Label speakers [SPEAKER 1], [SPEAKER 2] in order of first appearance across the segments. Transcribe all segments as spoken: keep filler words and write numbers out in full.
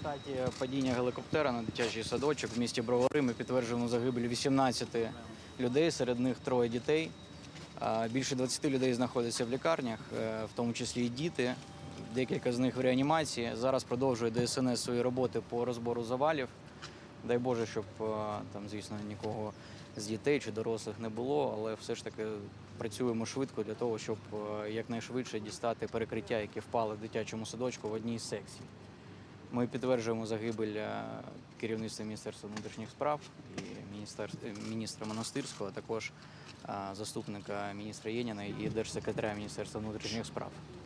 [SPEAKER 1] результаті падіння гелікоптера на дитячий садочок в місті Бровари ми підтверджуємо загибель вісімнадцяти людей, серед них троє дітей. Більше двадцяти людей знаходяться в лікарнях, в тому числі і діти. Декілька з них в реанімації. Зараз продовжує Де Ес Ен Ес свої роботи по розбору завалів. Дай Боже, щоб там, звісно, нікого з дітей чи дорослих не було, але все ж таки працюємо швидко для того, щоб якнайшвидше дістати перекриття, які впали в дитячому садочку в одній з секцій. Ми підтверджуємо загибель керівництва Міністерства внутрішніх справ і міністра Монастирського, а також заступника міністра Єніна і держсекретаря Міністерства внутрішніх справ.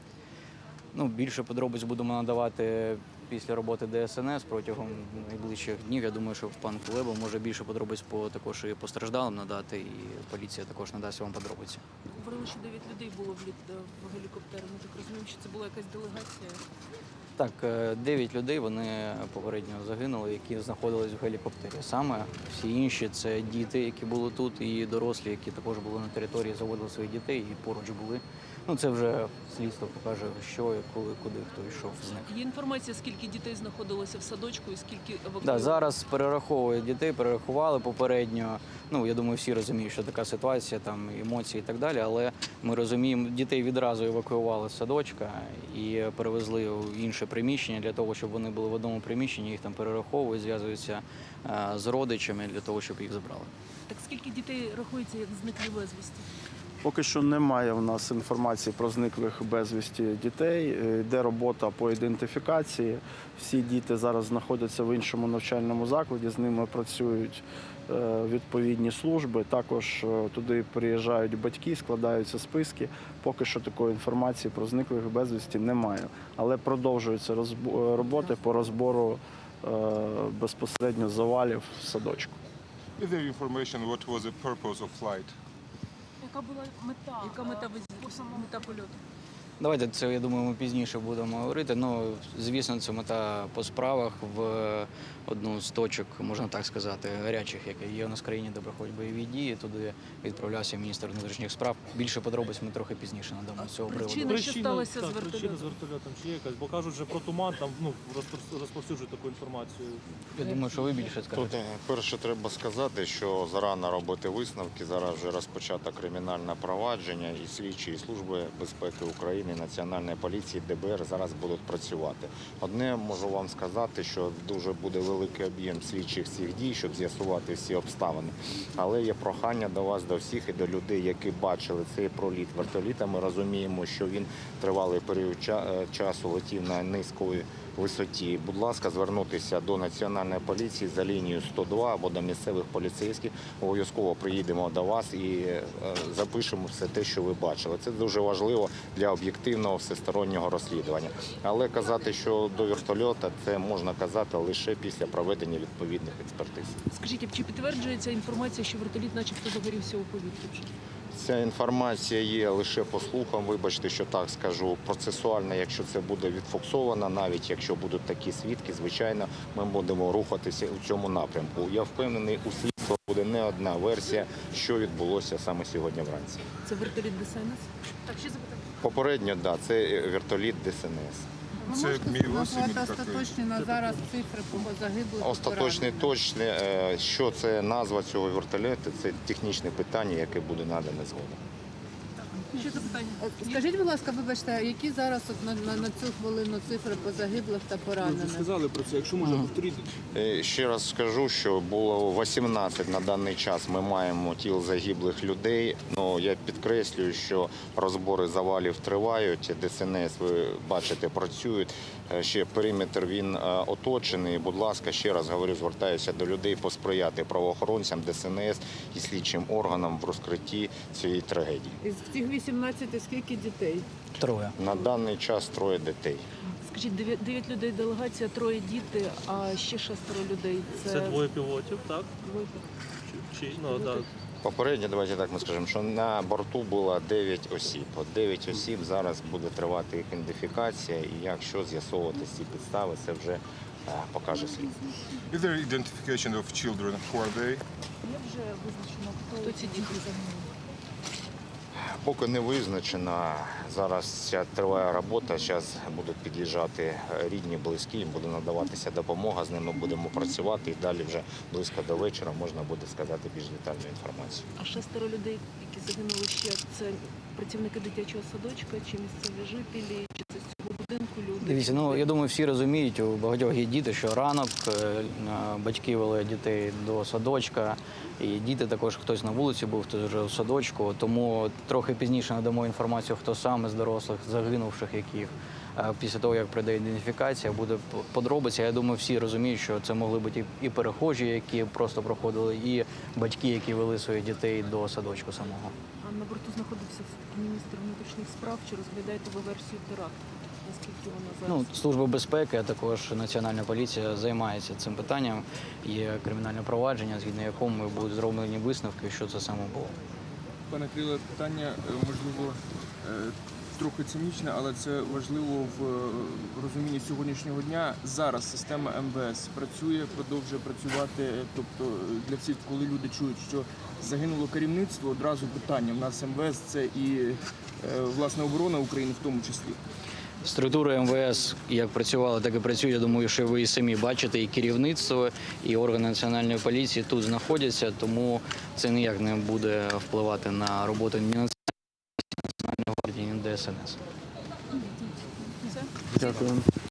[SPEAKER 1] Ну, більше подробиць будемо надавати після роботи Де Ес Ен Ес протягом найближчих днів. Я думаю, що пан Кулеба може більше подробиць по, також і постраждалим надати, і поліція також надасть вам подробиці.
[SPEAKER 2] Говорили, що дев'ять людей було в, в гелікоптері. Ми так розуміємо, що це була якась делегація?
[SPEAKER 1] Так, дев'ять людей, вони попередньо загинули, які знаходились в гелікоптері. Саме всі інші – це діти, які були тут, і дорослі, які також були на території, заводили своїх дітей і поруч були. Ну, це вже слідство покаже, що, коли, куди, хто йшов з них.
[SPEAKER 2] Є інформація, скільки дітей знаходилося в садочку і скільки евакуювали?
[SPEAKER 1] Да, зараз перераховують дітей, перерахували попередньо. Ну, я думаю, всі розуміють, що така ситуація, там, емоції і так далі, але ми розуміємо, дітей відразу евакуювали з садочка і перевезли в інше приміщення для того, щоб вони були в одному приміщенні, їх там перераховують, зв'язуються з родичами для того, щоб їх забрали.
[SPEAKER 2] Так скільки дітей рахується як зниклі безвісти?
[SPEAKER 3] Поки що немає в нас інформації про зниклих безвісті дітей. Йде робота по ідентифікації. Всі діти зараз знаходяться в іншому навчальному закладі, з ними працюють відповідні служби. Також туди приїжджають батьки, складаються списки. Поки що такої інформації про зниклих безвісті немає. Але продовжуються роботи по розбору безпосередньо завалів в садочку.
[SPEAKER 4] Is there information what was the purpose of flight?
[SPEAKER 2] Яка була мета? Яка мета, мета польоту?
[SPEAKER 1] Давайте це, я думаю, ми пізніше будемо говорити. Ну, звісно, це мета по справах в одну з точок, можна так сказати, гарячих, які є у нас в країні, де проходять бойові дії. Туди відправлявся міністр внутрішніх справ. Більше подробиць ми трохи пізніше надамо з цього приводу.
[SPEAKER 2] Причина, що сталося з вертольотом?
[SPEAKER 5] Причина з вертольотом чи є якась? Бо кажуть, що про туман там ну, розповсюджують таку інформацію.
[SPEAKER 1] Я думаю, що ви більше скажете.
[SPEAKER 6] Тут перше треба сказати, що зарано робити висновки. Зараз вже розпочато кримінальне провадження і слідчі і служби безпеки України, Національної поліції, Де Бе Ер зараз будуть працювати. Одне можу вам сказати, що дуже буде великий об'єм слідчих цих дій, щоб з'ясувати всі обставини. Але є прохання до вас, до всіх і до людей, які бачили цей проліт вертоліта. Ми розуміємо, що він тривалий період часу летів на низької висоті. Будь ласка, звернутися до Національної поліції за лінією сто два або до місцевих поліцейських. Обов'язково приїдемо до вас і запишемо все те, що ви бачили. Це дуже важливо для об'єктивного всестороннього розслідування. Але казати, що до вертольота, це можна казати лише після проведення відповідних експертиз.
[SPEAKER 2] Скажіть, чи підтверджується інформація, що вертоліт начебто загорівся у повітрі?
[SPEAKER 6] Ця інформація є лише по слухам, вибачте, що так скажу, процесуально, якщо це буде відфіксовано, навіть якщо будуть такі свідки, звичайно, ми будемо рухатися у цьому напрямку. Я впевнений, у слідства буде не одна версія, що відбулося саме сьогодні вранці.
[SPEAKER 2] Це вертоліт Де Ес Ен Ес? Так, ще запитання.
[SPEAKER 6] Попередньо, так, це вертоліт Де Ес Ен Ес.
[SPEAKER 4] Це
[SPEAKER 7] назвати остаточні на зараз цифри по загиблих?
[SPEAKER 6] Остаточний точний, що це назва цього вертольоту, це технічне питання, яке буде надане згодом.
[SPEAKER 2] Ще запитання.
[SPEAKER 7] Скажіть, будь ласка, вибачте, які зараз от на, на, на цю хвилину цифри по загиблих та
[SPEAKER 5] Ви
[SPEAKER 7] поранених?
[SPEAKER 5] сказали про це, якщо можна повторити.
[SPEAKER 6] Ще раз скажу, що було вісімнадцять на даний час ми маємо тіл загиблих людей. Ну, я підкреслюю, що розбори завалів тривають, Де Ес Ен Ес, ви бачите, працюють. Ще периметр він оточений. Будь ласка, ще раз говорю, звертаюся до людей посприяти правоохоронцям, Де Ес Ен Ес і слідчим органам в розкритті цієї трагедії.
[SPEAKER 7] Із цих вісімнадцяти скільки дітей?
[SPEAKER 1] Троє.
[SPEAKER 6] На даний час троє дітей.
[SPEAKER 2] Скажіть, дев'ять людей делегація, троє діти, а ще шестеро людей. Це,
[SPEAKER 5] Це двоє пілотів, так?
[SPEAKER 2] Двоє.
[SPEAKER 5] Чи, ну, да.
[SPEAKER 6] Попередньо, давайте так ми скажемо, що на борту було дев'ять осіб. От дев'ять осіб, зараз буде тривати їх ідентифікація, і якщо з'ясовувати ці підстави, це вже а, покаже слід.
[SPEAKER 4] Is there identification of children? Who are they?
[SPEAKER 2] Є вже визначено, хто ці діти загинули?
[SPEAKER 6] Поки не визначено. Зараз ця триває робота. Зараз будуть під'їжджати рідні, близькі, їм буде надаватися допомога. З ними будемо працювати і далі вже близько до вечора можна буде сказати більш детальну інформацію.
[SPEAKER 2] А шестеро людей, які загинули ще, це працівники дитячого садочка, чи місцеві жителі, чи це з цього будинку люди?
[SPEAKER 1] Дивіться, ну я думаю, всі розуміють, у багатьох є діти, що ранок е, батьки вели дітей до садочка, і діти також хтось на вулиці був, хтось вже в садочку. Тому трохи пізніше надамо інформацію, хто саме з дорослих загинувших, яких е, після того, як прийде ідентифікація, буде подробиця. Я думаю, всі розуміють, що це могли бути і перехожі, які просто проходили, і батьки, які вели своїх дітей до садочку самого.
[SPEAKER 2] А на борту знаходився все-таки міністр внутрішніх справ. Чи розглядаєте ви версію теракту? Наскільки вона зараз?
[SPEAKER 1] Ну, Служба безпеки, а також Національна поліція займається цим питанням. Є кримінальне провадження, згідно якому будуть зроблені висновки, що це саме було.
[SPEAKER 8] Пане Криле, питання, е, можливо, е, трохи цинічне, але це важливо в е, розумінні сьогоднішнього дня. Зараз система ем ве ес працює, продовжує працювати. е, Тобто е, для всіх, коли люди чують, що загинуло керівництво, одразу питання. В нас ем ве ес – це і е, власне оборона України в тому числі.
[SPEAKER 1] Структури ем ве ес як працювали, так і працюють. Я думаю, що ви і самі бачите, і керівництво, і органи Національної поліції тут знаходяться, тому це ніяк не буде впливати на роботу ні Національної гвардії, ні ДСНС.
[SPEAKER 3] Дякую.